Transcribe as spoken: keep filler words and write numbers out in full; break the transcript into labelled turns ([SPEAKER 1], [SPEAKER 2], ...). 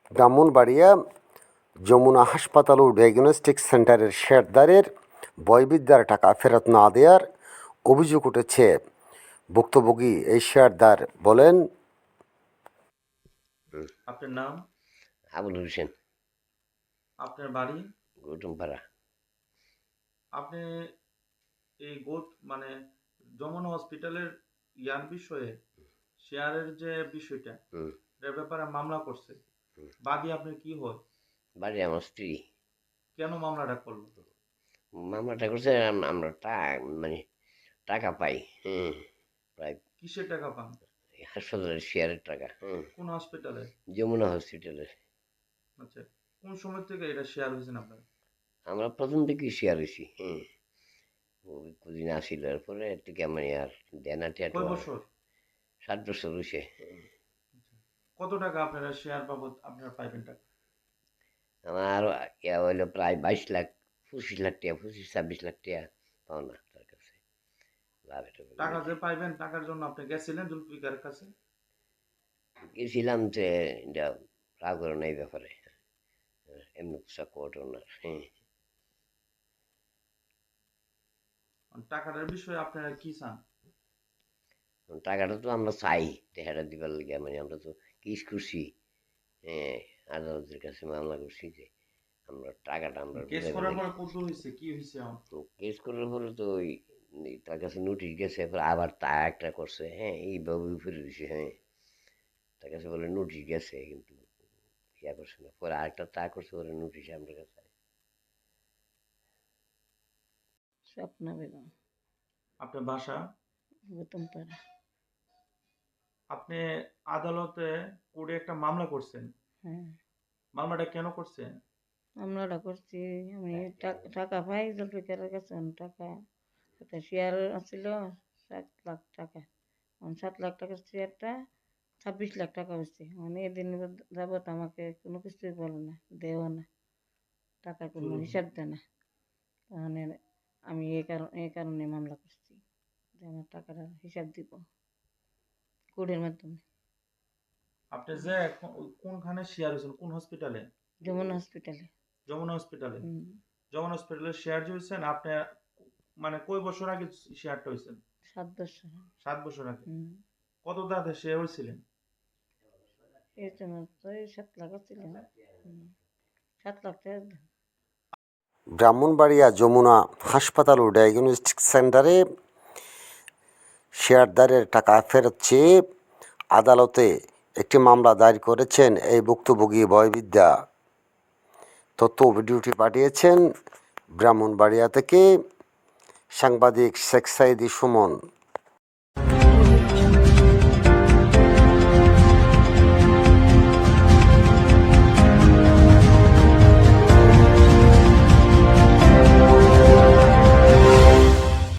[SPEAKER 1] ব্রাহ্মণবাড়িয়া যমুনা হাসপাতাল ও ডায়াগনস্টিক সেন্টারের শেয়ারদারের বয়বিদ্যার টাকা ফেরত না দেওয়ার অভিযোগ উঠেছে। ভুক্তভোগী এই শেয়ারদার বলেন,
[SPEAKER 2] আপনার নাম?
[SPEAKER 3] আবুল হোসেন,
[SPEAKER 2] আপনার বাড়ি?
[SPEAKER 3] গৌতমপাড়া।
[SPEAKER 2] আপনি এই গোট মানে যমুনা হসপিটালের ইয়ার বিষয়ে শেয়ারের যে বিষয়টা
[SPEAKER 3] হুম
[SPEAKER 2] এর ব্যাপারে মামলা করছে, বাদী আপনার কি হয়?
[SPEAKER 3] বাড়ি আমার স্ত্রী।
[SPEAKER 2] কেন মামলাটা করলো?
[SPEAKER 3] মামলাটা করছে আম- আমরা টা- মানে টাকা পাই। হুম প্রায়
[SPEAKER 2] কিসের টাকা পান?
[SPEAKER 3] হাসপাতালের শেয়ারের টাকা। হুম
[SPEAKER 2] কোন হসপিটালে?
[SPEAKER 3] যমুনা হসপিটালের।
[SPEAKER 2] আচ্ছা, কোন সময় থেকে এটা শেয়ার হয়েছেন আপনার?
[SPEAKER 3] আমরা প্রথম থেকেই শেয়ার হয়েছি। হুম ওই কদিন আসিল, এরপরে থেকে মানে আর দেনা টেটো
[SPEAKER 2] কয়
[SPEAKER 3] আর
[SPEAKER 2] বছর?
[SPEAKER 3] সাত বছর হয়েছে।
[SPEAKER 2] কত টাকা আপনারা শেয়ার বাবদ আপনারা পাইবেন টাকা?
[SPEAKER 3] আমার ইয়া হইলো প্রায় বাইশ লাখ পঁচিশ লাখ টাকা, পঁচিশ ছাব্বিশ লাখ টাকা পাওনা তার কাছে। লাভ এটা
[SPEAKER 2] টাকা যে পাইবেন টাকার জন্য আপনি গেছিলেন জুলফিকারের কাছে?
[SPEAKER 3] গেছিলাম যে এটা রাগ করে না এই ব্যাপারে, এমনি পোশাক কোর্ট ওনার। হ্যাঁ
[SPEAKER 2] টাকাটার বিষয়ে আপনারা কি চান?
[SPEAKER 3] টাকাটা তো আমরা চাই, টাকাটা দিবার লাগে মানে আমরা তো কেস করছি। হ্যাঁ আদালতের কাছে মামলা করছি যে আমরা টাকাটা আমরা
[SPEAKER 2] কেস
[SPEAKER 3] বুঝাইবার
[SPEAKER 2] করার
[SPEAKER 3] লাগে।
[SPEAKER 2] পরে কত হয়েছে, কি হয়েছে এখন?
[SPEAKER 3] তো কেস করার পরে তো ওই ওই তার কাছে নোটিশ গেছে, এরপর আবার তা একটা করছে। হ্যাঁ এইভাবে ফিরে দিছে। হ্যাঁ তার কাছে বলে নোটিশ গেছে কিন্তু ইয়া করছে না, পরে আরেকটা তা করছে, পরে নোটিশ আমার কাছে।
[SPEAKER 4] স্বপ্না বেগম,
[SPEAKER 2] আপনার বাসা?
[SPEAKER 4] গৌতমপাড়া।
[SPEAKER 2] আপনি আদালতে কোর্টে একটা মামলা করছেন,
[SPEAKER 4] হ্যাঁ,
[SPEAKER 2] মামলাটা কেন করছেন?
[SPEAKER 4] মামলাটা করছি। আমি টাক- টাকা পাই জুলফিকারের কাছে। আমি টাকা একটা শেয়ার ছিল সাত লাখ টাকা। এখন সাত লাখ টাকার শেয়ারটা ছাব্বিশ লাখ টাকা হচ্ছে। মানে এদিন যাবত আমাকে কোনো কিছুই বলে না, দেও না, টাকার কোনো হিসাব দেয় না। তাহলে আমি এই কারণ এই কারণে মামলা করছি যে আমার টাকাটা হিসাব দিব কোর্টের মাধ্যমে।
[SPEAKER 2] আপনি যে এখন কোনখানে শেয়ার হয়েছেন, কোন হসপিটালে?
[SPEAKER 4] যমুনা হসপিটালে।
[SPEAKER 2] যমুনা হসপিটালে?
[SPEAKER 4] হুম,
[SPEAKER 2] যমুনা হসপিটালে শেয়ার যে হয়েছেন আপনি, মানে কয় বছর আগে শেয়ারটা হয়েছেন?
[SPEAKER 4] সাত বছর।
[SPEAKER 2] সাত বছর আগে।
[SPEAKER 4] হুম,
[SPEAKER 2] কত দাদা শেয়ার হয়েছিলেন?
[SPEAKER 4] এই জন্য তো এই সাত লাখ ছিল। হুম, সাত লাখ টাকা দিলাম।
[SPEAKER 1] ব্রাহ্মণবাড়িয়া যমুনা হাসপাতাল ও ডায়াগনস্টিক সেন্টারে শেয়ারদারের টাকা ফেরত চেয়ে আদালতে একটি মামলা দায়ের করেছেন এই ভুক্তভোগী বয়বিদ্যা। তথ্য ও ভিডিওটি পাঠিয়েছেন ব্রাহ্মণবাড়িয়া থেকে সাংবাদিক শেখ সাইদি সুমন।